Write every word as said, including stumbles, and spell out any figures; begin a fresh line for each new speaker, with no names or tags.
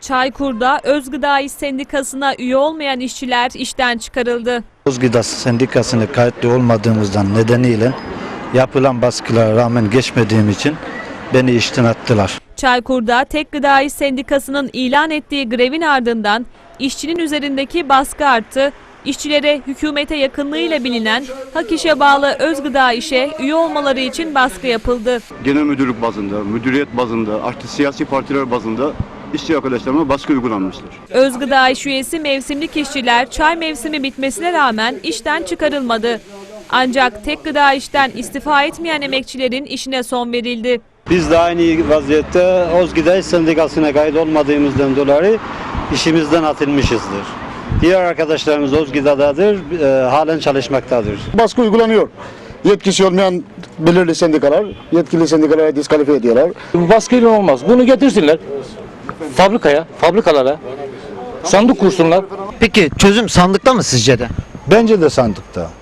Çaykur'da Özgıda İş Sendikası'na üye olmayan işçiler işten çıkarıldı.
Özgıda Sendikası'na kayıtlı olmadığımızdan nedeniyle yapılan baskılara rağmen geçmediğim için beni işten attılar.
Çaykur'da Tek Gıda İş Sendikası'nın ilan ettiği grevin ardından işçinin üzerindeki baskı arttı. İşçilere hükümete yakınlığıyla bilinen Hak İş'e bağlı Özgıda İş'e üye olmaları için baskı yapıldı.
Genel müdürlük bazında, müdüriyet bazında, artı siyasi partiler bazında işçi arkadaşlarıma baskı uygulanmıştır.
Özgıda İş üyesi mevsimlik işçiler çay mevsimi bitmesine rağmen işten çıkarılmadı. Ancak Tek Gıda İş'ten istifa etmeyen emekçilerin işine son verildi.
Biz de aynı vaziyette Özgıda İş Sendikası'na kayıt olmadığımızdan dolayı işimizden atılmışızdır. Diğer arkadaşlarımız Özgıda'dadır, e, halen çalışmaktadır.
Baskı uygulanıyor. Yetkisi olmayan belirli sendikalar, yetkili sendikalara diskalifiye ediyorlar.
Bu baskıyla olmaz. Bunu getirsinler fabrikaya, fabrikalara, sandık kursunlar.
Peki çözüm sandıkta mı sizce de?
Bence de sandıkta.